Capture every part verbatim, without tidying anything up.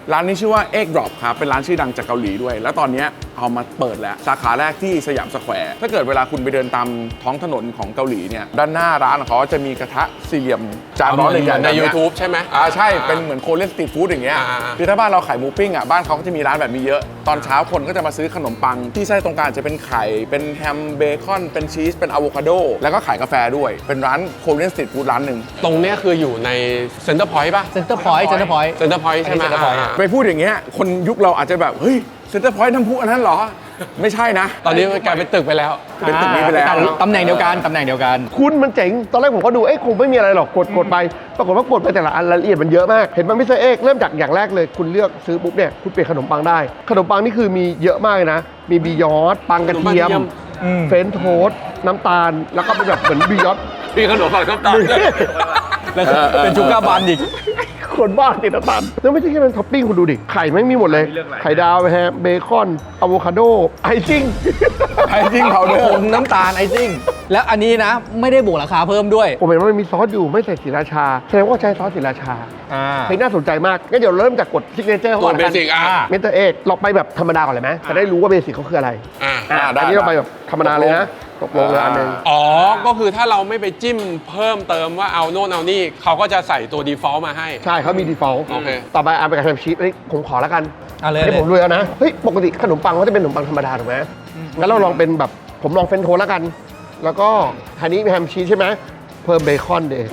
ร้านนี้ชื่อว่า Egg Drop ครับเป็นร้านชื่อดังจากเกาหลีด้วยแล้วตอนนี้เอามาเปิดแล้วสาขาแรกที่สยามสแควร์ถ้าเกิดเวลาคุณไปเดินตามท้องถนนของเกาหลีเนี่ยด้านหน้าร้านของเขาจะมีกระทะสี่เหลี่ยมจานร้อนใหญ่ๆใน YouTube ใช่ไหมอ่าใช่เป็นเหมือนโคเรียนสตรีทฟู้ดอย่างเงี้ยคือถ้าบ้านเราขายหมูปิ้งอ่ะบ้านเขาก็จะมีร้านแบบนี้เยอะตอนเช้าคนก็จะมาซื้อขนมปังที่ไส้ตรงกลางจะเป็นไข่เป็นแฮมเบคอนเป็นชีสเป็นอะโวคาโดแล้วก็ขายกาแฟด้วยเป็นร้านโคเรียนสตรีทฟู้ดร้านหนึ่งตรงเนี้ยคืออยู่ในเซ็นเตอร์พอยต์ป่ะเซ็นเตอร์พอยต์เซ็นเตอร์พอยต์เซ็นเตอร์พอยต์ใช่ไหมไปพูดอย่างเงี้ยคนยุคเราอาจจะแบบเฮ้ยเซ็นเตอร์พอยต์น้ำพุอันนั้นเหรอไม่ใช่นะตอนนี้มันกลายเป็นตึกไปแล้วเป็นตึกนี้ไปแล้วตำแหน่งเดียวกันตำแหน่งเดียวกันคุณมันเจ๋งตอนแรกผมก็ดูเอ้คงไม่มีอะไรหรอกกดกดไปปรากฏว่ากดไปแต่ละอันรายละเอียดมันเยอะมากเห็นมันไม่ใช่เอกเริ่มจากอย่างแรกเลยคุณเลือกซื้อปุ๊บเนี่ยคุณเปลี่ยนขนมปังได้ขนมปังนี่คือมีเยอะมากเลยนะมีบียอดปังกระเทียมเฟรนช์โทสต์น้ำตาลแล้วก็เป็นแบบเหมือนบียอดมีขนมปังน้ำตาลแล้วเป็นชูการ์บันอีกคนบ้าติดน้ำตาลแล้วไม่ใช่แค่นั้นท็อปปิ้งคุณดูดิไข่ไม่มีหมดเลยไข่ดาวแฮมเบคอนอะโวคาโดไอซิ่งไอซิ่งเผาเดิมน้ำตาลไอซิ่งแล้วอันนี้นะไม่ได้บวกราคาเพิ่มด้วยผมเห็นว่ามันมีซอสอยู่ไม่ใส่ศรีราชาแสดงว่าใช้ซอสศรีราชาเฮ้ยน่าสนใจมากงั้นเดี๋ยวเริ่มจากกดซิกเนเจอร์ก่อนเบสิกอ่ะเมนเตอร์เอกเราไปแบบธรรมดาก่อนเลยไหมจะได้รู้ว่าเบสิกเขาคืออะไรอ่าอันนี้เราไปแบบธรรมดาเลยนะตกลงเลยอันนึงอ๋อก็คือถ้าเราไม่ไปจิ้มเพิ่มเติมว่าเอาโน่นเอานี่เขาก็จะใส่ตัว default มาให้ใช่เขามี default โอเคต่อไปเอาไปกับแฮมชีสนี่ผมขอแล้วกันอันนี้ผมรู้แล้วนะเฮ้ยปกติขนมปังเขาจะเป็นขนมปังธรรมดาถูกไหมงั้นเราลองเป็นแบบผมลองเฟรนช์โทสต์แล้วกันแล้วก็ทีนี้มีแฮมชีสใช่ไหมเพิ่มเบคอนเดย์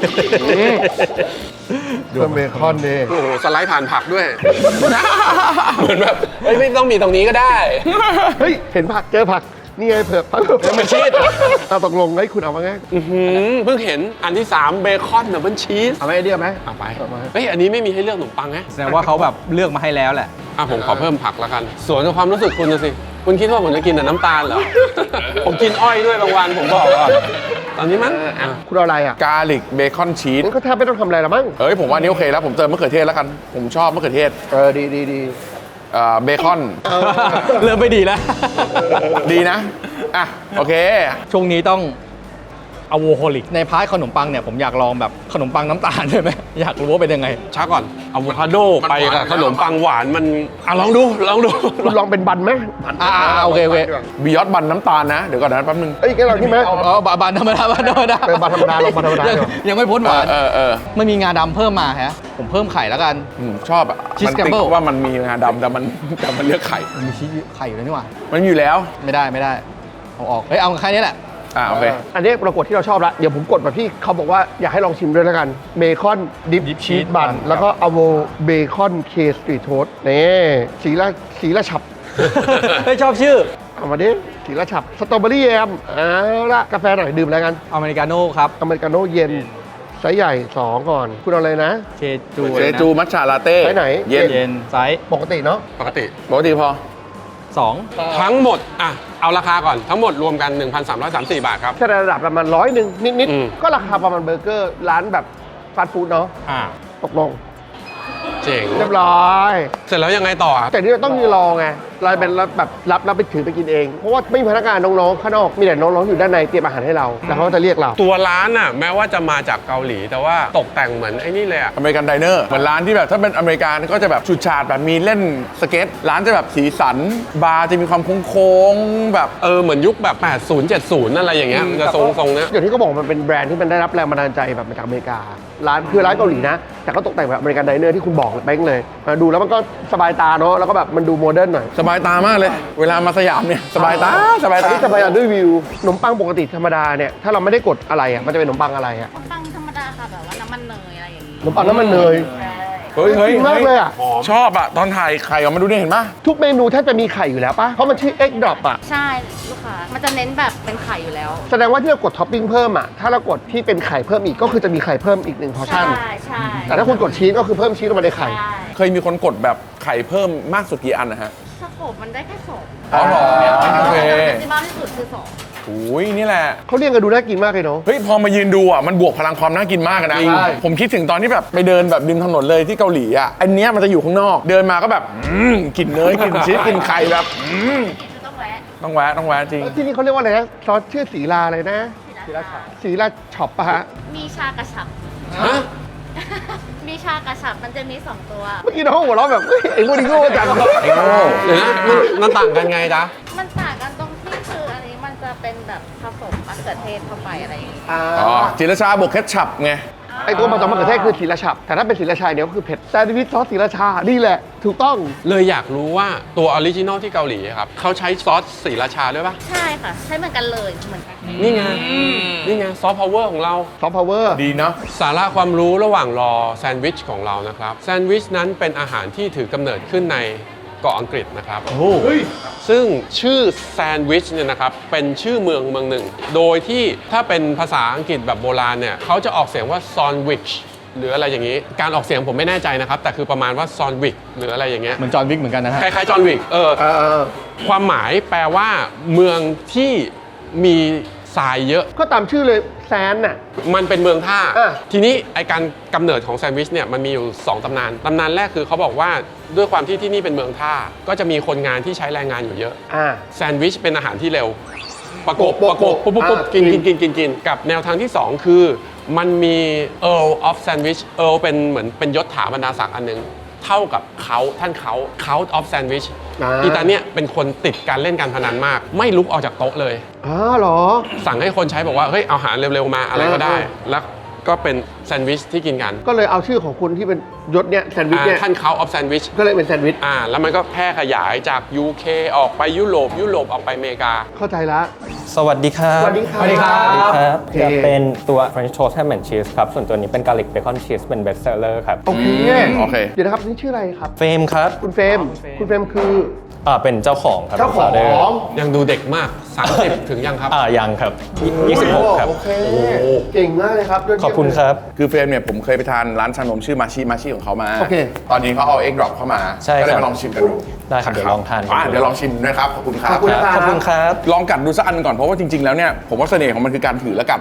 เพิ่มเบคอนเดย์โอ้โหสไลด์ผ่านผักด้วยเหมือนแบบเฮ้ยไม่ต้องมีตรงนี้ก็ได้เฮ้ยเห็นผักเจอผักนี่ไงเผือกผักเผือกมันชีสเอาตกลงให้คุณเอามาไงเพิ่งเห็นอันที่สามเบคอนดับเบิลชีสเอาไหมไอเดียไหมเอาไปเฮ้ยอันนี้ไม่มีให้เลือกขนมปังไงแสดงว่าเขาแบบเลือกมาให้แล้วแหละอ่ะผมขอเพิ่มผักแล้วกันส่วนความรู้สึกคุณนะสิคุณคิดว่าผมจะกินแต่น้ำตาลเหรอผมกินอ้อยด้วยบางวันผมบอกก่อนตอนนี้มั้งคุณเอาอะไรอ่ะกาลิกเบคอนชีสก็แทบไม่ต้องทำอะไรแล้วมั้งเฮ้ยผมว่านี้โอเคแล้วผมเติมมะเขือเทศแล้วกันผมชอบมะเขือเทศเออดีดีดีเบคอนเริ่มไม่ดีแล้วดีนะอ่ะโอเคช่วงนี้ต้องอะโวโฮลิกในพาร์ทขนมปังเนี่ยผมอยากลองแบบขนมปังน้ำตาลใช่ไหมอยากรู้ว่าเป็นยังไงช้าก่อนอะโวคาโดไปกับขนมปังหวานมันอ่ะลองดูลองดูคุณลองเป็นบันไหมอ่าโอเคโอเคบิยอดบันน้ำตาลนะเดี๋ยวก่อนนะแป๊บนึงเอ้ยแกเราที่ไหมอ๋อบันธรรมดาบันธรรมดาเป็นบันธรรมดาลองบันธรรมดายังไม่พ้นหวานเออเออไม่มีงาดำเพิ่มมาฮะผมเพิ่มไข่แล้วกันชอบอ่ะชีสแกมเบิลว่ามันมีงาดำแต่มันแต่มันเลือกไข่มันมีชีสไข่อยู่แล้วนี่หว่ามันอยู่แล้วไม่ได้ไม่ได้เอาออกเฮ้ยเอาแค่นี้แหละอ่าโอเคอันนี้ปรากฏที่เราชอบละเดี๋ยวผมกดแบบที่เขาบอกว่าอยากให้ลองชิมด้วยแล้วกันเบคอนดิปชีสบันแล้วก็อะโวเบคอนเคสตรีทโทสต์นี่สีละสีละฉับไม่ชอบชื่อเอามาดิสีละฉับสตรอเบอรี่แยมเอาละกาแฟหน่อยดื่มอะไรกันอเมริกาโน่ครับอเมริกาโน่เย็นไซส์ใหญ่สองก่อนคุณเอาอะไรนะเชจูเชจูมัทฉะลาเต้ไซส์ไหนเย็นเย็นไซส์ปกติเนาะปกติปกติพอสองทั้งหมดอ่ะเอาราคาก่อนทั้งหมดรวมกัน หนึ่งพันสามร้อยสามสิบสี่ บาทครับแค่ระดับประมาณร้อยหนึ่งนิดๆก็ราคาประมาณเบอร์เกอร์ร้านแบบฟาสต์ฟู้ดเนาะอ่าตกลงเจ๋งเรียบร้อยเสร็จแล้วยังไงต่อแต่นี่เราต้องมีรอไงเราเป็นแบบรับรับไปถือไปกินเองเพราะว่าไม่มีพนักงานน้องๆข้างนอกมีแต่น้องๆอยู่ด้านในเตรียมอาหารให้เราแล้วเขาจะเรียกเราตัวร้านอ่ะแม้ว่าจะมาจากเกาหลีแต่ว่าตกแต่งเหมือนไอ้นี่เลยอ่ะอเมริกันไดเนอร์เหมือนร้านที่แบบถ้าเป็นอเมริกันก็จะแบบชุดฉาดแบบมีเล่นสเก็ตร้านจะแบบสีสันบาร์จะมีความโค้งๆแบบเออเหมือนยุคแบบแปดสิบ เจ็ดสิบอะไรอย่างเงี้ยจะทรงๆเนี้ยอย่างที่เขาบอกมันเป็นแบรนด์ที่มันได้รับแรงบันดาลใจแบบมาจากอเมริการ้านคือร้านเกาหลีนะแต่ก็ตกแต่งแบบอเมริกันไดเนอร์ที่คุณบอกเป้งเลยมาดูแล้วมันก็สบายตาเนาะแล้วก็แบบมันดูโมเดิร์นหน่อยสบายตามากเลยเวลามาสยามเนี่ยสบายตาสบายตาสบายตาด้วยวิวขนมปังปกติธรรมดาเนี่ยถ้าเราไม่ได้กดอะไรอ่ะมันจะเป็นขนมปังอะไรอ่ะขนมปังธรรมดาค่ะแบบว่าน้ำมันเนยอะไรอย่างงี้ขนมปังน้ำมันเนยเฮ้ยเฮ้ยมากเลยอ่ะชอบอ่ะตอนถ่ายไข่ออกมาดูนี่เห็นปะทุกเมนูแทบจะมีไข่อยู่แล้วปะเพราะมันชื่อ Egg Drop อ่ะใช่ลูกค้ามันจะเน้นแบบเป็นไข่อยู่แล้วแสดงว่าที่เรากดท็อปปิ้งเพิ่มอ่ะถ้าเรากดที่เป็นไข่เพิ่มอีกก็คือจะมีไข่เพิ่มอีกหนึ่งพอร์ชั่นใช่ใช่แต่ถ้าคุณกดชีสก็คือเพิ่มชีสลงมาในไข่เคยมีคนกดแบบไข่เพิ่มมากสุดกี่อันนะฮะสโคปมันได้แค่สองอ๋อเหรอโอเคแม็กซิมัมที่สุดคือสองโอ้ยนี่แหละเขาเรียกกันดูน่ากินมากเลยเนาะเฮ้ยพอมายืนดูอ่ะมันบวกพลังความน่ากินมากนะผมคิดถึงตอนที่แบบไปเดินแบบริมถนนเลยที่เกาหลีอ่ะอันเนี้ยมันจะอยู่ข้างนอกเดินมาก็แบบกลิ่นเนยกลิ่นชีสกลิ่นไข่แบบต้องแวะต้องแวะต้องแวะจริงที่นี่เขาเรียกว่าอะไรนะซอสชื่อสีลาอะไรนะสีลาช็อปสีลาช็อปปะฮะมีชากระฉับฮะมีชากระฉับมันจะมีสองตัวเมื่อกี้น้องหัวเราะแบบเฮ้ยไอ้พวกนี้โง่จังไอ้โง่เดี๋ยวนะมันมันต่างกันไงจ๊ะมันต่างกันตรงที่คืออันนี้มันจะเป็นแบบผสมมะเขือเทศเข้าไปอะไรอย่างงี้อ่าอ๋อจิรชาบวกเคชัพไงไอ้ตัวผสมมะเขือเทศคือศรีราชาแต่ถ้าเป็นศรีราชาเดี๋ยวก็คือเผ็ดแซนด์วิชซอสศรีราชานี่แหละถูกต้องเลยอยากรู้ว่าตัวออริจินอลที่เกาหลีอะครับเขาใช้ซอสศรีราชาด้วยปะใช่ค่ะ ใช้เหมือนกันเลยเหมือนกันนี่ไง นี่ไงซอฟต์พาวเวอร์ของเราซอฟต์พาวเวอร์ดีเนาะสาระความรู้ระหว่างรอแซนด์วิชของเรานะครับแซนด์วิชนั้นเป็นอาหารที่ถือกำเนิดขึ้นในเกาะอังกฤษนะครับเฮ้ยซึ่งชื่อแซนด์วิชเนี่ยนะครับเป็นชื่อเมืองเมืองหนึ่ง โดยที่ถ้าเป็นภาษาอังกฤษแบบโบราณเนี่ยเขาจะออกเสียงว่าซอนวิชหรืออะไรอย่างนี้ การออกเสียงผมไม่แน่ใจนะครับ แต่คือประมาณว่าซอนวิกหรืออะไรอย่างเงี้ยเหมือนจอห์นวิกเหมือนกันนะฮะคล้ายๆจอห์นวิกเออเออความหมายแปลว่าเมืองที่มีทรายเยอะก็ตามชื่อเลยแซนน่ะมันเป็นเมืองท่าอ่ะทีนี้ไอการกำเนิดของแซนด์วิชเนี่ยมันมีอยู่สองตำนาน ตำนานแรกคือเขาบอกว่าด้วยความที่ที่นี่เป็นเมืองท่า ก็จะมีคนงานที่ใช้แรงงานอยู่เยอะอ่าแซนด์วิชเป็นอาหารที่เร็ว ประกบโปะประกบโปะปุ๊บปุ๊บปุ๊บอ่ากินกิกินนกินกินกินกับแนวทางที่ 2 คือ มันมี Earl of Sandwich Earl เป็นเหมือนเป็นยศถาบรรดาศักดิ์อันหนึง เท่ากับเขาท่านเขา Count of Sandwich อ่าอีตาเนี่ยเป็นคนติดการเล่นการพนันมาก ไม่ลุกออกจากโต๊ะเลยอ๋อเหรอสั่งให้คนใช้บอกว่า เฮ้ย เอาอาหารเร็ว ๆ มาอะไรก็ได้อ่าแล้วก็เป็นแซนด์วิชที่กินกันก็เลยเอาชื่อของคุณที่เป็นยศเนี่ยแซนด์วิชเนี่ยอ่าท่าน Count of Sandwich ก็เลยเป็นแซนด์วิชอ่าแล้วมันก็แพร่ขยายจาก ยู เค ออกไปยุโรปยุโรปออกไปอเมริกาเข้าใจละสวัสดีครับสวัสดีครับสวัสดีครับสวัสดีครับโอเคจะเป็นตัว French Toast Ham and Cheese ครับ ส่วนตัวนี้เป็น Garlic Bacon Cheese เป็น Best Seller ครับโอเคโอเคเดี๋ยวนะครับนี่ชื่ออะไรครับเฟรมครับคุณเฟรม คุณเฟรมคืออ่าเป็นเจ้าของครับเจ้าของ founder ยังดูเด็กมาก สามสิบ ถึงยังครับอ่ายังครับยี่สิบหกครับโอเค เก่งมากเลยครับยดเยี่ยมขอบคุณครับคือเฟรมเนี่ยผมเคยไปทานร้านชานมชื่อมาชิมาชิของเขามาโอเคตอนนี้เขาเอาเอ็กดรอปเข้ามาใช่ก็เลยครับมาลองชิมกันดูได้ครับเดี๋ยวลองทานกันอ่ะดูเดี๋ยวลองชิมนะครับ ขอบคุณครับขอบคุณขอบคุณครับลองกัดดูสักอันก่อนเพราะว่าจริง ๆ แล้วเนี่ยผมว่าเสน่ห์ของมันคือการถือและกัด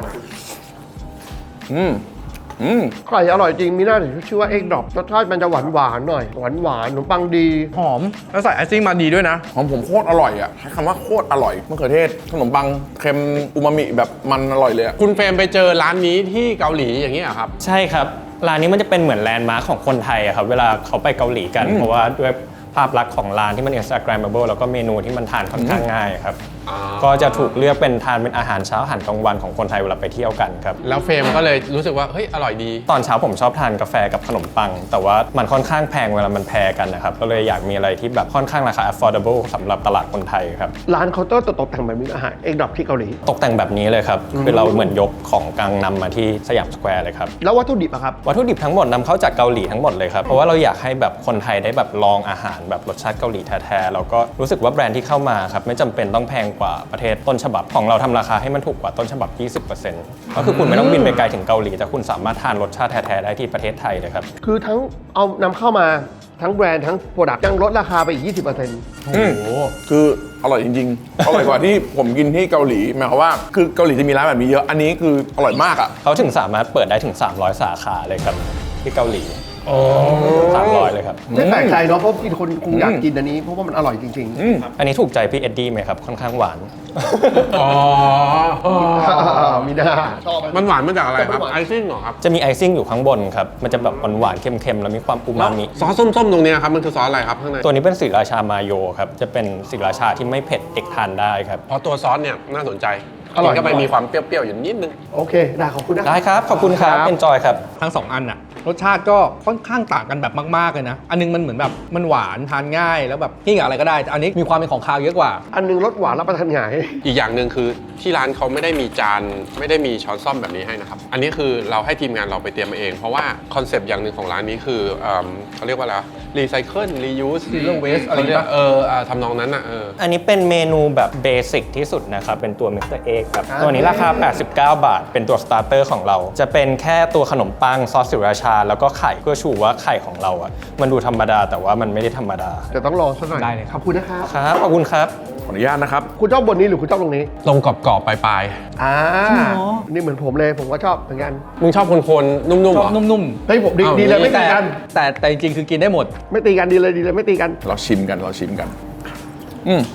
อืม อืมไก่อร่อยจริง มีหน้าถึงชื่อว่าเอ็กดรอปรสชาติมันจะหวานหวานๆหน่อย หวานหวานๆขนมปังดีหอม แล้วใส่ไอซิ่งมาดีด้วยนะของผมโคตรอร่อยอ่ะใช้คำว่าโคตรอร่อยมะเขือเทศขนมปังเค็มอูมามิแบบมันอร่อยเลยอะคุณเฟรมไปเจอร้านนี้ที่เกาหลีอย่างนี้เหรอครับใช่ครับ ร้านนี้มันจะเป็นเหมือนแลนด์มาร์คของคนไทยอะครับ เวลาเขาไปเกาหลีกัน เพราะว่าด้วยภาพลักษณ์ของร้านที่มัน Instagrammable แล้วก็เมนูที่มันทานค่อนข้างง่ายครับอ่าก็จะถูกเลือกเป็นทานเป็นอาหารเช้าอาหารกลางวันของคนไทยเวลาไปเที่ยวกันครับแล้วเฟรมก็เลยรู้สึกว่า เฮ้ย อร่อยดีตอนเช้าผมชอบทานกาแฟกับขนมปัง แต่ว่ามันค่อนข้างแพงเวลามันแพงกันนะครับ ก็เลยอยากมีอะไรที่แบบค่อนข้างราคา affordable สำหรับตลาดคนไทยครับร้านเคาน์เตอร์ตกแต่งแบบนี้อาหารเอ็กดรอปที่เกาหลีตกแต่งแบบนี้เลยครับ คือเราเหมือนยกของกลางนำมาที่สยามสแควร์เลยครับแล้ววัตถุดิบอะครับวัตถุดิบทั้งหมดนำเข้าจากเกาหลีทั้งหมดเลยครับ เพราะว่าเราอยากให้แบบคนไทยได้แบบลองอาหารแบบรสชาติเกาหลีแท้ๆแล้วก็รู้สึกว่าแบรนด์ที่เข้ามาครับไม่จำเป็นต้องแพงกว่าประเทศต้นฉบับของเราทำราคาให้มันถูกกว่าต้นฉบับ ยี่สิบเปอร์เซ็นต์ ก็คือคุณไม่ต้องบินไปไกลถึงเกาหลีแต่คุณสามารถทานรสชาติแท้ๆได้ที่ประเทศไทยเลยครับคือทั้งเอานำเข้ามาทั้งแบรนด์ทั้งโปรดักต์ยังลดราคาไปอีก ยี่สิบเปอร์เซ็นต์อืมคืออร่อยจริงๆ อร่อยกว่าที่ผมกินที่เกาหลีหมายความว่าคือเกาหลีจะมีร้านแบบนี้เยอะ อันนี้คืออร่อยมากอ่ะเขาถึงสามารถเปิดได้ถึง สามร้อย สาขาเลยครับที่เกาหลีสามร้อยเลยครับไม่แปลกใจเนาะเพราะกินคนคงอยากกินอันนี้ เพราะว่ามันอร่อยจริงอืมอันนี้ถูกใจพี่เอ็ดดี้ไหมครับค่อนข้างหวานอ๋อๆ มีหน้าชอบมันหวานมาจากอะไรครับมันหวานไอซิ่งเหรอครับจะมีไอซิ่งอยู่ข้างบนครับ มันจะแบบหวานๆเค็มๆ แล้วมีความอูมามิซอสส้มๆ ตรงเนี้ยครับ มันคือซอสอะไรครับข้างในตัวนี้เป็นสีราชามาโยครับ จะเป็นสีราชาที่ไม่เผ็ดเด็กทานได้ครับเพราะตัวซอสเนี่ยน่าสนใจอร่อยกินเข้าไปมีความเปรี้ยวๆ อยู่นิดนึงโอเค ได้ขอบคุณนะได้ครับ ขอบคุณครับ เอนจอยครับทั้งสองอันน่ะรสชาติก็ค่อนข้างต่างกันแบบมากๆเลยนะ อันนึงมันเหมือนแบบมันหวานทานง่ายแล้วแบบกินกับอะไรก็ได้แต่อันนี้มีความเป็นของคาวเยอะกว่าอันหนึงรสหวานรับประทานง่ายอีกอย่างหนึ่งคือที่ร้านเขาไม่ได้มีจานไม่ได้มีช้อนซ่อมแบบนี้ให้นะครับ อันนี้คือเราให้ทีมงานเราไปเตรียมมาเอง เพราะว่าคอนเซปต์อย่างหนึ่งของร้านนี้คือเอิ่มเขาเรียกว่าอะไรรีไซเคิลรียูส Zero waste อะไรเรียกปะเอออ่าทำนองนั้นอ่ะเอออันนี้เป็นเมนูแบบเบสิกที่สุดนะครับ เป็นตัวมิสเตอร์เอ็กครับอ่าตัวนี้ราคา แปดสิบเก้า บาท เป็นตัวสตาร์เตอร์ของเรา จะเป็นแค่ตัวขนมปังซอสสิราชา แล้วก็ไข่เพื่อชูว่าไข่ของเราอ่ะ มันดูธรรมดาแต่ว่ามันไม่ได้ธรรมดาเดี๋ยวต้องรอสักหน่อยได้เลยครับขอบคุณนะครับครับ ขอบคุณครับขออนุญาตนะครับคุณชอบบนนี้หรือคุณชอบตรงนี้ตรงกรอบๆปลายอ่า นี่เหมือนผมเลย ผมก็ชอบเหมือนกันๆมึงชอบคนๆนุ่มๆชเหอรบอนุ่มเฮ้ยผมดีอ้าวดีเลยไม่ตีแต่กันแต่แต่จริงๆคือกินได้หมดไม่ตีกันดีเลยดีเลยไม่ตีกันเราชิมกันเราชิมกัน อืม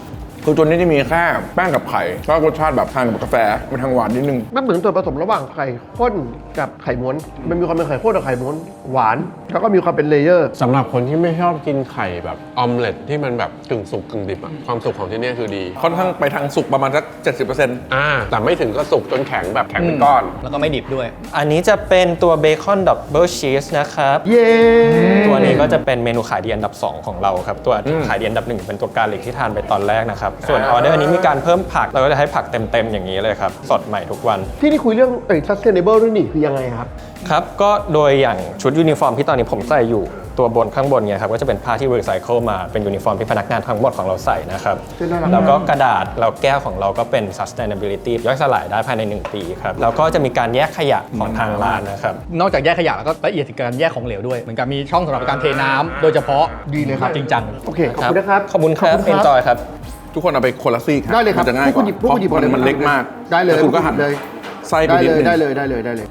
คือตัวนี้จะมีแค่แป้งกับไข่ก็รสชาติแบบทานกับกาแฟมันทางหวานนิดนึงมันเหมือนส่วนผสมระหว่างไข่ข้นกับไข่ม้วนมันมีความเป็นไข่ข้นกับไข่ม้วนหวานแล้วก็มีความเป็นเลเยอร์สำหรับคนที่ไม่ชอบกินไข่แบบออมเล็ตที่มันแบบกึ่งสุกกึ่งดิบอะความสุกของที่เนี่ยคือดีค่อนข้างไปทางสุกประมาณสักเจ็ดสิบเปอร์เซ็นต์อ่าแต่ไม่ถึงก็สุกจนแข็งแบบแข็งเป็นก้อนแล้วก็ไม่ดิบด้วยอันนี้จะเป็นตัวเบคอนดับเบิลชีสนะครับเย้ตัวนี้ก็จะเป็นเมนูขายดีอันดับ สอง ของเราครับ ตัวขายดีอันดับหนึ่งเป็นตัวกาลิกที่ทานไปตอนแรกนะครับ ส่วนออเดอร์นี้มีการเพิ่มผัก เราก็จะให้ผักเต็ม ๆ อย่างนี้เลยครับ สดใหม่ทุกวันที่นี่คุยเรื่องเอ้ย sustainable ด้วยนี่คือยังไงครับครับ ก็โดยอย่างชุดยูนิฟอร์มที่ตอนนี้ผมใส่อยู่ตัวบนข้างบนเนี่ยครับก็จะเป็นผ้าที่รีไซเคิลมาเป็นยูนิฟอร์มที่พนักงานทั้งหมดของเราใส่นะครับซึ่งน่ารักแล้วก็กระดาษแล้วแก้วของเราก็เป็น sustainability ย่อยสลายได้ภายในหนึ่งปีครับแล้วก็จะมีการแยกขยะของทางร้านนะครับนอกจากแยกขยะแล้วก็ละเอียดถึงการแยกของเหลวด้วยเหมือนกับมีช่องสำหรับการเทน้ำโดยเฉพาะดีเลยครับจริงจังโอเค ขอบคุณนะครับขอบคุณครับขอบคุณครับ enjoy ครับทุกคนเอาไปคนละซีกได้เลยครับมันจะง่ายกพวกว่าคุณหยิบพวกคุณหยิบเพราะหมดเลยมันเล็กมากได้เลยแล้วคุณก็หั่นเลยไส้ไปได้นิดเลยนึงได้เลยได้เลยได้เลย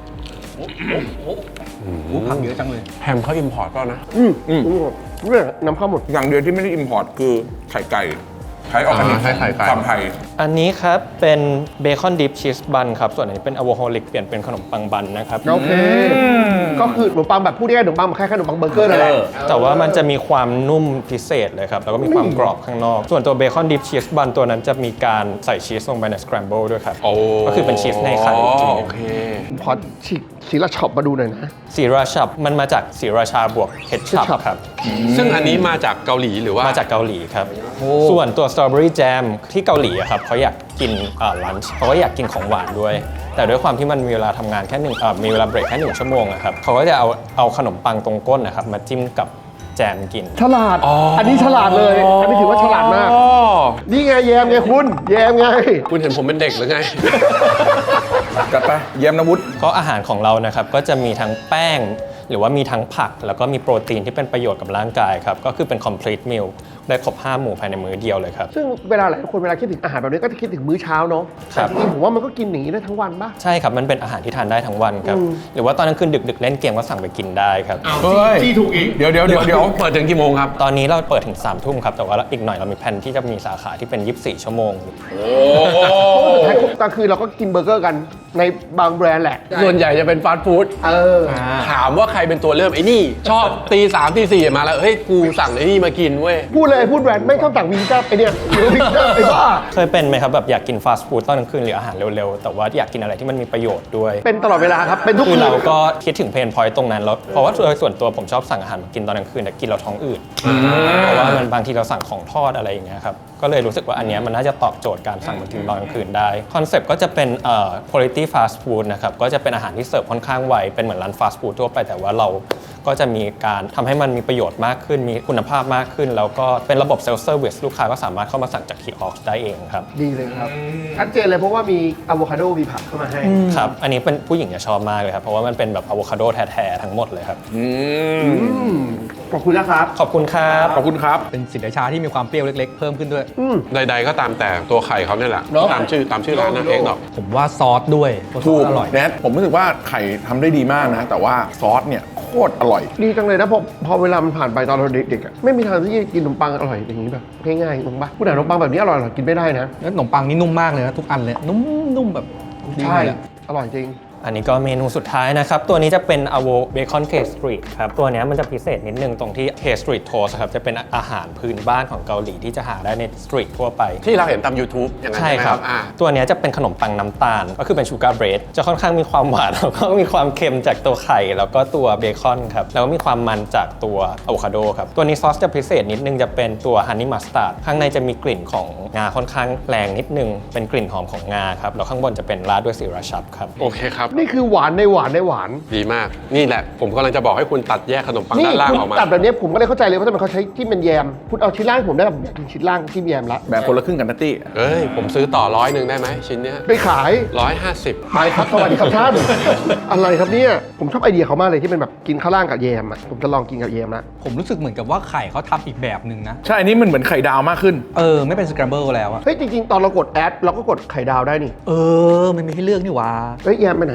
อู้ผักเยอะจังเลยแฮมเขาอิมพอร์ตเปล่านะอืมอืมเนี่ยนำเข้าหมดอย่างเดียวที่ไม่ได้อิมพอร์ตคือไข่ไก่ใช้ออร์แกนิกอ่าใช้ไข่ไก่ความไทยอันนี้ครับเป็นเบคอนดิฟชีสบันครับส่วนอันนี้เป็นอะโวโฮลิกเปลี่ยนเป็นขนมปังบันนะครับโอเค ก็คือขนมปังแบบพูดง่ายๆขนมปังแบบคล้ายๆขนมปังเบอร์เกอร์นั่นแหละแต่ว่ามันจะมีความนุ่มพิเศษเลยครับ แล้วก็มีความกรอบข้างนอก ส่วนตัวเบคอนดิฟชีสบันตัวนั้นจะมีการใส่ชีสลงไปในสครัมเบิลด้วยครับโอ้ก็คือเป็นชีสในไข่จริงโอเคขอฉีกสีละช็อปมาดูหน่อยนะสีราชามันมาจากสีราชาบวกเฮดชับ ketchup ครับซึ่งอันนี้มาจากเกาหลีหรือว่ามาจากเกาหลีครับ ส่วนตัวสตรอเบอรี่แจมที่เกาหลีอะครับเขาอยากกินลันช์เขาก็อยากกินของหวานด้วย แต่ด้วยความที่มันมีเวลาทำงานแค่หนึ่งเอ่อมีเวลาเบรกแค่หนึ่งชั่วโมงนะครับเขาก็จะเอาเอาขนมปังตรงก้นนะครับมาจิ้มกับแจมกินฉลาด อันนี้ฉลาดเลย อันนี้ถือว่าฉลาดมาก นี่ไงแยมไงคุณ แยมไงคุณเห็นผมเป็นเด็กหรือไงจัดไปเยี่ยมนะวุฒิก็อาหารของเรานะครับก็จะมีทั้งแป้ง หรือว่ามีทั้งผัก แล้วก็มีโปรตีนที่เป็นประโยชน์กับร่างกายครับก็คือเป็น complete meal ได้ครบห้าหมู่ภายในมื้อเดียวเลยครับซึ่งเวลาหลายคนเวลาคิดถึงอาหารแบบนี้ก็จะคิดถึงมื้อเช้าเนาะครัแต่บจริงๆผมว่ามันก็กินอย่างนี้ได้ทั้งวันป่ะใช่ครับมันเป็นอาหารที่ทานได้ทั้งวันครับอืมหรือว่าตอนกลางคืนดึกๆเล่นเกมก็สั่งไปกินได้ครับเฮ้ยถูกอีกเดี๋ยวเดี๋ยวเดี๋ยวเดี๋ยวเปิดถึงกี่โมงครับตอนนี้เราเปิดถึงสามทุ่มครับแต่ว่าอีกหน่อยเรามีแผนที่จะมีสาขาที่เป็นยี่สิบสี่ชั่วโมงสุดท้ายกลางคืนเราก็กินเบอร์เกอร์กันในบางแบรนด์แหละส่วนใหญ่จะเป็นฟาสต์ฟู้ดเออถามว่าใครเป็นตัวเริ่มไอ้นี่ ชอบตีสามตีสี่มาแล้ว เฮ้ย กูสั่งไอ้นี่มากินเว้ยพูดเลยพูดแบรนด์ไม่ชอบสั่งวิงจ้าไอเนี่ยหรือวิงจ้าไอ้บ้าเคยเป็นไหมครับแบบอยากกินฟาสต์ฟู้ดตอนกลางคืนหรืออาหารเร็วๆ แต่ว่าอยากกินอะไรที่มันมีประโยชน์ด้วยเป็นตลอดเวลาครับ เป็นทุกคือคืนเราก็คิดถึงเพนพอยต์ตรงนั้นแล้วเพราะว่าโดยส่วนตัวผมชอบสั่งอาหารมากินตอนกลางคืนแต่กินเราท้องอืดเพราะว่ามันบางทีเราสั่งของทอดอะไรอย่างเงี้ยครับก็เลยรู้สึกว่าอันเนี้ยมันน่าจะตอบโจทย์การสั่งมากินตอนกลางคืนได้คอนเซปต์ก็จะเป็นเอ่อ quality fast food นะครับก็จะเป็นอาหารที่เสิร์ฟค่อนข้างไวเป็นเหมือนร้านฟาสต์ฟู้ดทั่วไปแต่ว่าเราก็จะมีการทำให้มันมีประโยชน์มากขึ้นมีคุณภาพมากขึ้น แล้วก็เป็นระบบเซลฟ์เซอร์วิสลูกค้าก็สามารถเข้ามาสั่งจากคีออสได้เองครับดีเลยครับชัดเจนเลยเพราะว่ามีอะโวคาโดมีผักเข้ามาให้ครับอันนี้เป็นผู้หญิงจะชอบมากเลยครับเพราะว่ามันเป็นแบบอะโวคาโดแท้ๆทั้งหมดเลยครับอืมขอบคุณนะครับขอบคุณครับขอบคุณครับเป็นสินค้าที่มีความเปรี้ยวเล็กๆ เพิ่มขึ้นด้วยอืมใดๆก็ตามแต่ตัวไข่เขาเนี่ยแหละเนอะตามชื่อตามชื่อร้านนะเองดอกผมว่าซอสด้วยเพราะซถูอก สอร่อยแนทผมรู้สึกว่าไข่ทำได้ดีมากนะ แต่ว่าซอสเนี่ยโคตรอร่อยดีจังเลยนะพอพอเวลามันผ่านไปตอนเราเด็กๆอะไม่มีทางที่จะกินขนมปังอร่อยอย่างนี้แบบง่ายๆถูกปะผู้ใดขนมปังแบบนี้อร่อยๆกินไม่ได้นะแล้วขนมปังนี่นุ่มมากเลยนะทุกอันเลยนุ่มๆแบบดีใช่เลยอะอร่อยจริงอันนี้ก็เมนูสุดท้ายนะครับ ตัวนี้จะเป็น avo bacon cake street ครับ ตัวเนี้ยมันจะพิเศษนิดนึงตรงที่ cake street toast ครับ จะเป็นอาหารพื้นบ้านของเกาหลีที่จะหาได้ในสตรีททั่วไปที่เราเห็นตาม YouTube อย่างนั้นใช่ใช่ไหมคครัรับ บอ่าตัวเนี้ยจะเป็นขนมปังน้ำตาล ก็คือเป็นชูการ์เบรดจะค่อนข้างมีความหวาน แล้วก็มีความเค็มจากตัวไข่ แล้วก็ตัวเบคอนครับ แล้วก็มีความมันจากตัวอะโวคาโดครับ ตัวนี้ซอสจะพิเศษนิดนึงจะเป็นตัวฮันนี่มัสตาร์ดข้างในจะมีกลิ่นของงาค่อนข้างแรงนิดนึงเป็นกลิ่นหอมของงาครับแล้วข้างบนจะเป็นราดด้วยซีราชับครับโอเคครับนี่คือหวานในหวานในหวานดีมาก นี่แหละ ผมกำลังจะบอกให้คุณตัดแยกขนมปังนี่ด้านล่างคุณออกมาตัดแบบนี้ผมก็เลยเข้าใจเลยว่าทำไมเขาใช้ที่เป็นแยมคุณเอาชิ้นล่างให้ผมได้แบบอยากกินชิ้นล่างที่แยมละแบบคนละครึ่งกันนะตี้เอ้ย ผมซื้อต่อร้อยหนึ่งได้ไหมชิ้นเนี้ยไปขายร้อยห้าสิบไปครับสวัสดีครับท่าน อะไรครับเนี่ยผมชอบไอเดียเขามากเลยที่เป็นแบบกินข้าวล่างกับแยมอ่ะผมจะลองกินกับแยมละผมรู้สึกเหมือนกับว่าไข่เขาทำอีกแบบหนึ่งนะใช่ อันนี้มันเหมือนไข่ดาวมากขึ้นเออ ไม่เป็นสครัมเบิลแล้วอะเฮ้ยจริงๆตอนเรากดแอดเราก็กดไข่ดาวได้นี่เออ มันมีให้เลือกนี่หว่าเฮ้ยแยมไปไหน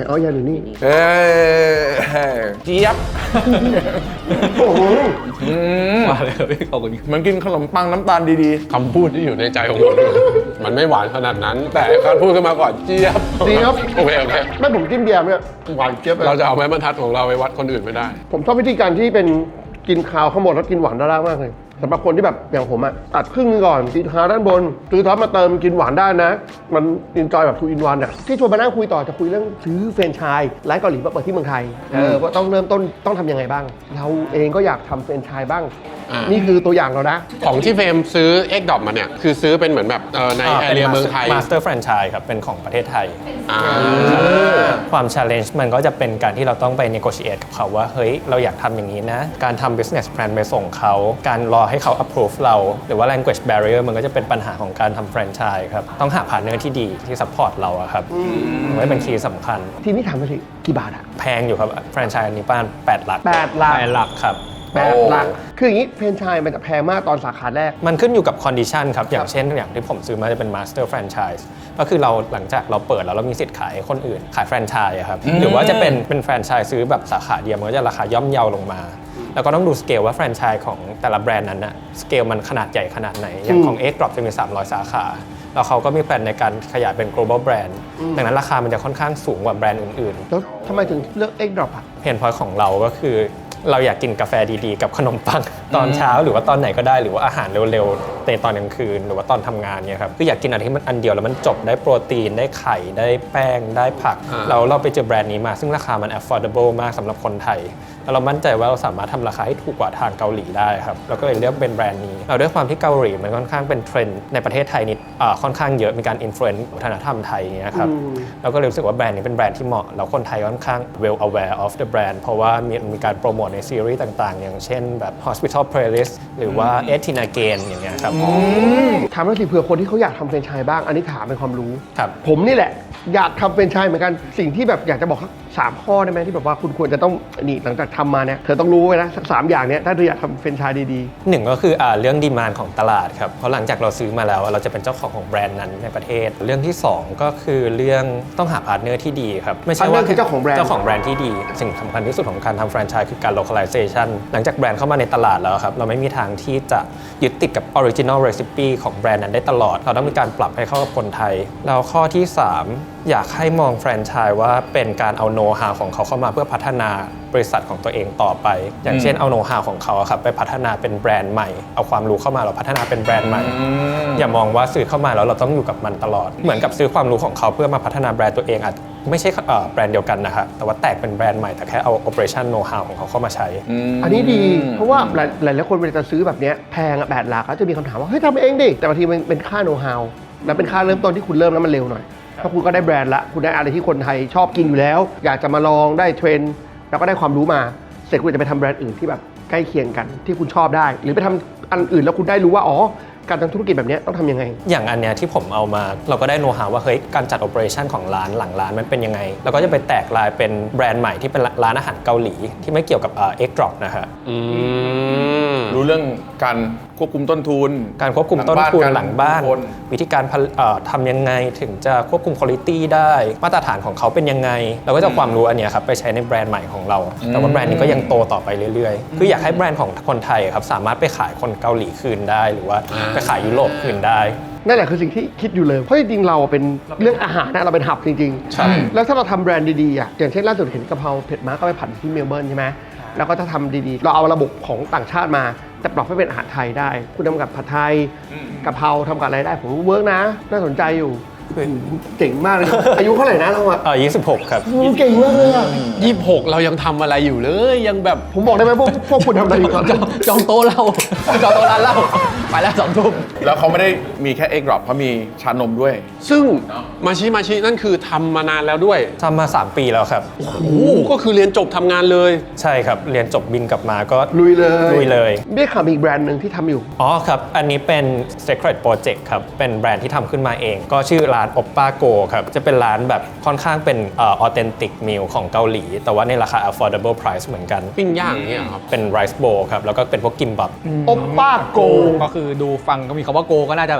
เอายาอยู่นี่เอ้ยเจี๊ยบโอ้โหอืมมาเลยครับพี่ขอบคุณเหมันกินขนมปังน้ำตาลดีคำพูดที่อยู่ในใจของผมมันไม่หวานขนาดนั้น แต่การพูดขึ้นมาก่อนเจี๊ยบดีครับโอเคโอเคแม่ผมจิ้มแยมเนี่ยหวานเจี๊ยบเลยเราจะเอาไม้บรรทัดของเราไปวัดคนอื่นไม่ได้ผมชอบวิธีการที่เป็นกินคาวข้างบนแล้วกินหวานด้านล่างมากเลยสำหรับคนที่แบบอย่างผมอะตัดครึ่งนึงก่อนกินคาวด้านบนซื้อท็อปมาเติมกินหวานได้นะ มันอินจอยแบบทูอินวันอะที่ชวนมานั่งคุยต่อจะคุยเรื่องซื้อแฟรนไชส์ร้านเกาหลีมาเปิดที่เมืองไทยเออว่าต้องเริ่มต้นต้องทำยังไงบ้าง เราเองก็อยากทำแฟรนไชส์บ้างอ่านี่นี่คือตัวอย่างเรานะของที่เฟรมซื้อ X Dot มาเนี่ย คือซื้อเป็นเหมือนแบบเอ่อในแอเรียเมืองไทยมาสเตอร์แฟรนไชส์ครับ เป็นของประเทศไทยอ่าความ challenge มันก็จะเป็นการที่เราต้องไป negotiate กับเขาว่า เฮ้ย เราอยากทำอย่างนี้นะ การทำ business plan ไปส่งเขา การรอให้เขา approve เรา หรือว่า language barrier มันก็จะเป็นปัญหาของการทำ franchise ครับ ต้องหา partner ที่ดีที่ support เราอะครับมันก็เป็นคีย์สำคัญทีนี้ถามมาสิกี่บาทอะแพงอยู่ครับ franchise อันนี้ประมาณแปดหลักแปดหลักแปดหลักครับแปดหลักคืออย่างนี้แฟรนไชส์มันจะแพงมากตอนสาขาแรกมันขึ้นอยู่กับ condition ครับ อย่างเช่นอย่างที่ผมซื้อมาจะเป็น master franchise ก็คือเราหลังจากเราเปิดแล้วเรามีสิทธิ์ขายให้คนอื่น ขายแฟรนไชส์อะครับ หรือว่าจะเป็นเป็นแฟรนไชส์ซื้อแบบสาขาเดียวมันก็จะราคาย่อมเยาลงมา แล้วก็ต้องดูสเกลว่าแฟรนไชส์ของแต่ละแบรนด์นั้นอะสเกลมันขนาดใหญ่ขนาดไหน อย่างของ X Drop จะมี สามร้อย สาขา แล้วเขาก็มีแผนในการขยายเป็น global brand ดังนั้นราคามันจะค่อนข้างสูงกว่าแบรนด์อื่นๆแล้วทำไมถึงเลือก X Drop อะเพนพอยต์ของเราก็คือเราอยากกินกาแฟดีๆ กับขนมปัง ตอนเช้าหรือว่าตอนไหนก็ได้หรือว่าอาหารเร็วๆในตอนกลางคืนหรือว่าตอนทำงานเนี่ยครับคืออยากกินอะไรที่มันอันเดียวแล้วมันจบได้โปรตีนได้ไข่ได้แป้งได้ผักอ่าแล้วเราไปเจอแบรนด์นี้มาซึ่งราคามัน affordable มากสำหรับคนไทยแล้วเรามั่นใจว่าเราสามารถทำราคาให้ถูกกว่าทางเกาหลีได้ครับเราก็เลยเลือกเป็นแบรนด์นี้เราด้วยความที่เกาหลีมันค่อนข้างเป็นเทรนด์ในประเทศไทยนิดอ่าค่อนข้างเยอะมีการอิ influence วัฒนธรรมไทยอย่างเงี้ยครับเราก็เลยรู้สึกว่าแบรนด์นี้เป็นแบรนด์ที่เหมาะแล้วคนไทยค่อนข้าง well aware of the brand เพราะว่ามีมีการโปรโมทในซีรีส์ต่างๆ อย่างเช่นแบบ Hospital Playlist หรือว่า eighteen Again อย่างเงี้ยครับถามหน่อยสิเผื่อคนที่เขาอยากทำแฟรนไชส์บ้าง อันนี้ถามเป็นความรู้ครับผมนี่แหละอยากทำแฟรนไชส์เหมือนกันสิ่งที่แบบอยากจะบอกสักสามข้อได้ไหมที่แบบว่าคุณควรจะต้องนี่หลังจากทำมาเนี่ยเธอต้องรู้ไว้นะสักสามอย่างเนี้ยถ้าเธออยากทำแฟรนไชส์ดีหนึ่งก็คืออ่าเรื่องดีมานด์ของตลาดครับเพราะหลังจากเราซื้อมาแล้วเราจะเป็นเจ้าของของแบรนด์นั้นในประเทศ เรื่องที่สองก็คือเรื่องต้องหาพาร์ทเนอร์ที่ดีครับไม่ใช่ว่า partner คือเจ้าของแบรนด์เจ้าของแบรนด์ที่ดีสิ่งสำคัญที่สุดของการทำแฟรนไชส์คือการ localization หลังจากแบรนด์เข้ามาในตลาดแล้วครับเราไม่มีทางที่จะยึดติดกับ original recipe ของแบรนด์นั้นได้ตลอดเราต้องมีการปรับให้เข้ากับคนไทยแล้วข้อที่สามอยากให้มองแฟรนไชส์ว่าเป็นการเอาโน้ตฮาวของเขาเข้ามาเพื่อพัฒนาบริษัทของตัวเองต่อไป อย่างเช่นเอาโน้ตฮาวของเขาอะครับไปพัฒนาเป็นแบรนด์ใหม่เอาความรู้เข้ามาเราพัฒนาเป็นแบรนด์ใหม่ อย่ามองว่าซื้อเข้ามาแล้วเราต้องอยู่กับมันตลอด เหมือนกับซื้อความรู้ของเขาเพื่อมาพัฒนาแบรนด์ตัวเองอาจไม่ใช่เอ่อแบรนด์เดียวกันนะครับแต่ว่าแตกเป็นแบรนด์ใหม่แต่แค่เอา operation know how ของเขาเข้ามาใช้ๆ อันนี้ดีเพราะว่าหลายหลายๆคนเวลาจะซื้อแบบเนี้ยแพงอะแปดหลักก็จะมีคำถามว่าเฮ้ยทำเองดิแต่บางทีมันเป็นค่าโน้ตฮาวและเป็นค่าเริ่มต้นที่คุณเริ่มแล้วมันเร็วหน่อยถ้าคุณก็ได้แบรนด์ละคุณได้อะไรที่คนไทยชอบกินอยู่แล้ว อยากจะมาลองได้เทรนด์แล้วก็ได้ความรู้มาเสร็จคุณจะไปทำแบรนด์อื่นที่แบบใกล้เคียงกันที่คุณชอบได้ หรือไปทำอันอื่นแล้วคุณได้รู้ว่าอ๋อการทำธุรกิจแบบเนี้ยต้องทำยังไงอย่างอันเนี้ยที่ผมเอามาเราก็ได้โน้ตฮาวว่าเฮ้ยการจัด operation ของร้านหลังร้านมันเป็นยังไงเราก็จะไปแตกลายเป็นแบรนด์ใหม่ที่เป็นร้านอาหารเกาหลีที่ไม่เกี่ยวกับเอ่อ X Drop นะฮะอืมรู้เรื่องการควบคุมต้นทุนการควบคุมต้นทุนหลังบ้านคนวิธีการผลิตเอ่อทำยังไงถึงจะควบคุมคุณภาพได้มาตรฐานของเขาเป็นยังไง เราก็จะเอาความรู้อันเนี้ยครับไปใช้ในแบรนด์ใหม่ของเรา แต่ว่าแบรนด์นี้ก็ยังโตต่อไปเรื่อยๆ คืออยากให้แบรนด์ของคนไทยครับสามารถไปขายคนเกาหลีคืนได้ หรือว่าไปขายยุโรปคืนได้นั่นแหละคือสิ่งที่คิดอยู่เลยเพราะจริงๆเราเป็นเรื่องอาหารนะเราเป็นหับจริงๆใช่แล้วถ้าเราทำแบรนด์ดีๆอ่ะอย่างเช่นล่าสุดเห็นกะเพราเผ็ดม้าก็ไปผัดที่เมลเบิร์นใช่ไหมแล้วก็ถ้าทำดีๆ เราเอาระบบของต่างชาติมาแต่ปรับให้เป็นอาหารไทยได้ คุณทำกับผัดไทยกะเพราทำกับอะไรได้ผมว่าเวิร์กนะ น่าสนใจอยู่เก่งมากเลย อายุเท่าไหร่นะเราอะเออยี่สิบหกครับเก่งมากเลยอะยี่สิบหกเรายังทำอะไรอยู่เลยยังแบบผมบอกได้ไหมพวกพวกคุณทำอะไรอยู่ตอนนี้จองโต๊ะเหล้าจองโต๊ะร้านเหล้าไปแล้วสองทุ่มแล้วเขาไม่ได้มีแค่ X Drop เขามีชานมด้วยซึ่งมาชิมาชินั่นคือทำมานานแล้วด้วยทำมาสามปีแล้วครับโอ้โหก็คือเรียนจบทำงานเลยใช่ครับ เรียนจบบินกลับมาก็ลุยเลยลุยเลยได้ข่าวมีอีกแบรนด์หนึ่งที่ทำอยู่อ๋อครับ อันนี้เป็น Secret Project ครับ เป็นแบรนด์ที่ทำขึ้นมาเอง ก็ชื่อร้าน Oppa Go ครับ จะเป็นร้านแบบค่อนข้างเป็นเอ่อ authentic meal ของเกาหลี แต่ว่าในราคา affordable price เหมือนกันปิ้งย่างเนี่ยครับเป็น rice bowl ครับ แล้วก็เป็นพวกกิมบับโอป้าโกก็คือดูฟังก็มีคำว่าโกก็น่าจะแบบ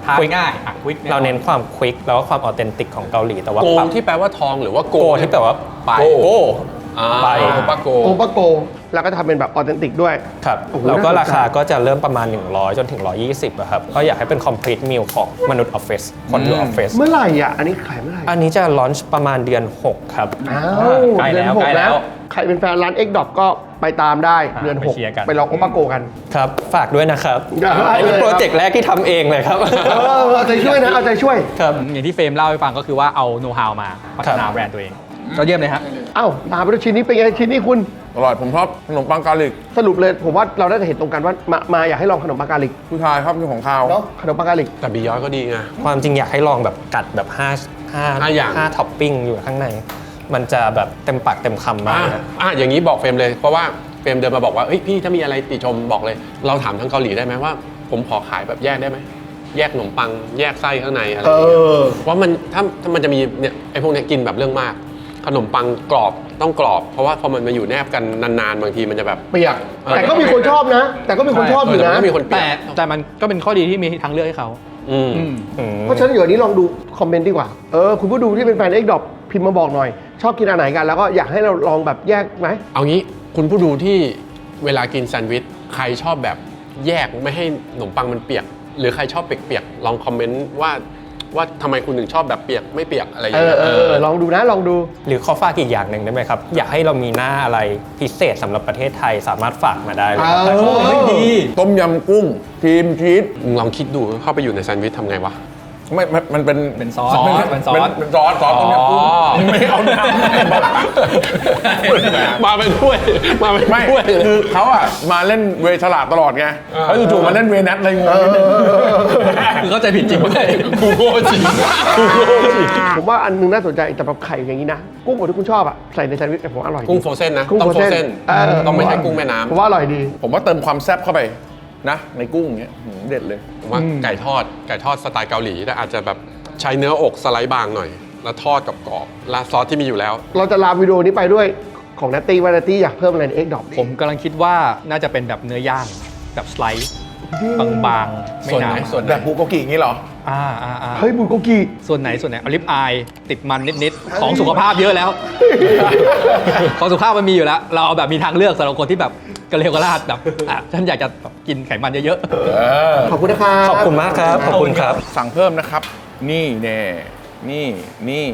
ทาน quick ง่ายอ่ะควิกเราเน้นความควิกแล้วก็ความออเทนติกของเกาหลีแต่ว่าโกปรับที่แปลว่าทองหรือว่าโกโกที่แปลว่าไปโกโกอ่าไปโอปาโกโอปาโกแล้วก็ทำเป็นแบบออเทนติกด้วยครับโอ้โหแล้วก็น่าสนใจราคาก็จะเริ่มประมาณ หนึ่งร้อย จนถึง หนึ่งร้อยยี่สิบอะครับ ก็อยากให้เป็น complete meal ของมนุษย์ออฟฟิศคนอยู่ออฟฟิศเมื่อไหร่อ่ะ อันนี้ขายเมื่อไหร่อันนี้จะลอนช์ประมาณเดือน หก ครับอ้าวใกล้แล้วเดือนหกใกล้แล้วใครเป็นแฟนร้าน X ดอ p ก็ไปตามได้เดือนไปหกเชียร์กันไปลองโอปาโกกันครับ ฝากด้วยนะครับได้อันนี้เลยครับโปรเจกต์แรกที่ทำเองเลยครับเออเอาใจช่วยนะ เอาใจช่วยครับอย่างที่เฟรมเล่าให้ฟังก็คือว่าเอาโน้ตฮาวมาพัฒนาแบรนด์ตัวเองก็เยี่ยมเลยฮะเอ้าตามไปดูชิ้นนี้เป็นไงชิ้นนี้คุณอร่อยผมชอบขนมปังกาลิกสรุปเลยผมว่าเราได้จะเห็นตรงกันว่ามามาอยากให้ลองขนมปังกาลิกผู้ชายชอบกินของข้าวเนาะขนมปังกาลิกแต่บียอนก็ดีไงความจริงอยากให้ลองแบบกัดแบบห้าห้าห้าอย่างห้าท็อปปิ้งอยู่ข้างใน มันจะแบบเต็มปากเต็มคำมากอ่ะนะอ่ะอย่างนี้บอกเฟรมเลย เพราะว่าเฟรมเดินมาบอกว่าเฮ้ยพี่ถ้ามีอะไรติชมบอกเลย เราถามทางเกาหลีได้ไหมว่า ผมขอขายแบบแยกได้ไหมแยกขนมปัง แยกไส้ข้างในอะไรเออย่างเงี้ยอว่ามันถ้าถ้ามันจะมีเนี่ยไอ้พวกเนี้ยกินแบบเรื่องมาก ขนมปังกรอบต้องกรอบ เพราะว่าพอมันมาอยู่แนบกันนานๆบางทีมันจะแบบเปียกเออแต่ก็มีคนชอบนะ แต่ก็มีคนชอบอยู่เแต่นะมันก็มีคนเปลี่แต่ยนแต่มันก็เป็นข้อดีที่มีทางเลือกให้เขาอืมอืมอืมเพราะฉะนั้นเดี๋ยวนี้ลองดูคอมเมนต์ดีกว่า เออ คุณผู้ดูที่เป็นแฟน X ดอ p พิมพ์มาบอกหน่อย ชอบกินอันไหนกัน แล้วก็อยากให้เราลองแบบแยกไหมเอางี้คุณผู้ดูที่เวลากินแซนด์วิชใครชอบแบบแยกไม่ให้ขนมปังมันเปียก หรือใครชอบเปียกๆลองคอมเมนต์ว่าว่าทำไมคุณถึงชอบแบบเปียกไม่เปียกอะไรอย่างเอเงี้อย เออเออลองดูนะ ลองดูหรือขอฝากอีกอย่างหนึ่งได้ไหมครับ อยากให้เรามีหน้าอะไรพิเศษสำหรับประเทศไทยสามารถฝากมาได้เลยครับเออเฮ้ยดีต้มยำกุ้งครีมชีสมึงลองคิดดูเข้าไปอยู่ในแซนด์วิชทำไงวะไม่มันมันเป็นเป็นซอสเป็นเป็นซอสเป็นซอสซอสต้มยำกุ้งอ๋อไม่เอาน้ำมาเป็นถ้วยมาเป็นไม่ถ้วยคือเขาอะมาเล่นเวฉลาดตลอดไงเขาจู่ๆมาเล่นเวนัทอะไรงงนิดนึงคือเข้าใจผิดจริงด้วยกูโง่จริงกูโง่จริงผมว่าอันนึงน่าสนใจแต่แบบไข่อย่างนี้นะ กุ้งบดที่คุณชอบอะใส่ในแซนด์วิชแต่ผมว่าอร่อยดีกุ้งโฟรเซนนะกุ้งต้องโฟโฟรรเซเซนนเออต้องไม่ใช่กุ้งแม่น้ำผมว่าอร่อยดีผมว่าเติมความแซ่บเข้าไปนะในกุ้งอย่างเงี้ยหืมเด็ดเลยผมว่าไก่ทอดไก่ทอดสไตล์เกาหลีแต่อาจจะแบบใช้เนื้ออกสไลด์บางหน่อย แล้วทอดกับกรอบๆราดซอสที่มีอยู่แล้วเราจะลาวิดีโอนี้ไปด้วยของนัตตี้ว่านัตตี้อยากเพิ่มอะไรใน X ดอ p ผมกำลังคิดว่าน่าจะเป็นแบบเนื้อย่างแบบสไลด์บางๆ ไม่ส่วนหไหนนาส่วนไหนแบบบุโกกิอย่างนี้เหรออ่าอ่าอ่าเฮ้ยบุญโกกิส่วนไหนส่วนไหนอลิฟอายติดมันนิดๆ ของสุขภาพเยอะแล้ว ของสุขภาพมันมีอยู่แล้ว เราเอาแบบมีทางเลือกสำหรับคนที่แบบกระเลวกระลาดแบบอ่ะฉันอยากจะแบบกินไขมันเยอะขอบคุณนะครับขอบคุณมากครับ ขอบคุณครับสั่งเพิ่มนะครับ นี่แน่นี่นี่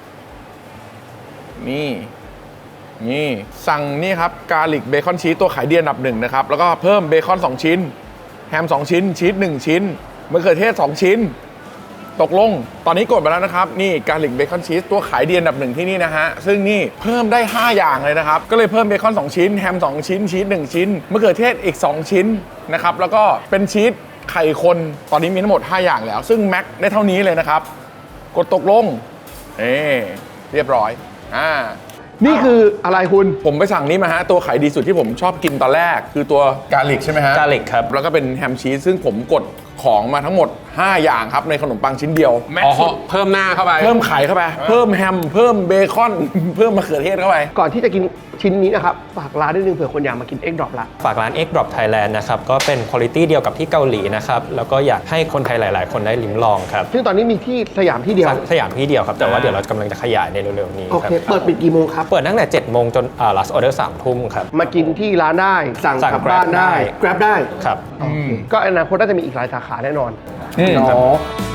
นี่นี่สั่งนี่ครับกาลิกเบคอนชีสตัวขายดีอันดับหนึ่งนะครับแล้วก็เพิ่มเบคอนสองชิ้นแฮมสองชิ้นชีสหนึ่งชิ้นมะเขือเทศสองชิ้น ตกลงตอนนี้กดไปแล้วนะครับนี่กาลิกเบคอนชีสตัวขายดีอันดับหนึ่งที่นี่นะฮะซึ่งนี่เพิ่มได้ห้าอย่างเลยนะครับก็เลยเพิ่มเบคอนสองชิ้นแฮมสองชิ้นชีสหนึ่งชิ้นมะเขือเทศอีกสองชิ้นนะครับแล้วก็เป็นชีสไข่คนตอนนี้มีทั้งหมดห้าอย่างแล้ว ซึ่งแม็กได้เท่านี้เลยนะครับกดตกลงเอเรียบร้อยอ่านี่คืออะไรคุณผมไปสั่งนี้มาฮะตัวขายดีสุดที่ผมชอบกินตอนแรก คือตัวกาลิกใช่ไหมฮะกาลิกครับแล้วก็เป็นแฮมชีสซึ่งผมกดของมาทั้งหมดห้าอย่างครับในขนมปังชิ้นเดียวแม็กอ๋อสุดเพิ่มหน้าเข้าไปเพิ่มไข่เข้าไปเพิ่มแฮมเพิ่มเบคอน เพิ่มมะเขือเทศเข้าไปก่อนที่จะกินชิ้นนี้นะครับฝากร้านนิดนึงเผื่อคนอยากมากิน X ดอ p ละฝากร้าน X Drop Thailand นะครับ ก็เป็นคุณภาพเดียวกับที่เกาหลีนะครับ แล้วก็อยากให้คนไทยหลาย ๆ คนได้ลิ้มลองครับซึ่งตอนนี้มีที่สยามที่เดียวสยามที่เดียวครับ แต่ว่าเดี๋ยวเรากำลังจะขยายในเร็ว ๆ นี้โอครัเคบเปิดปิดกี่โมงครับเปิดตั้งแต่เจ็ดโมงจนอ่า last order สามทุ่มครับมากินที่ร้านได้ สั่งสั่งกลับบ้าน Grab ได้ได้ Grab ได้ครับก็อนาคตน่าจะมีอีกหลายสาขาแน่นอนอืมเนาะ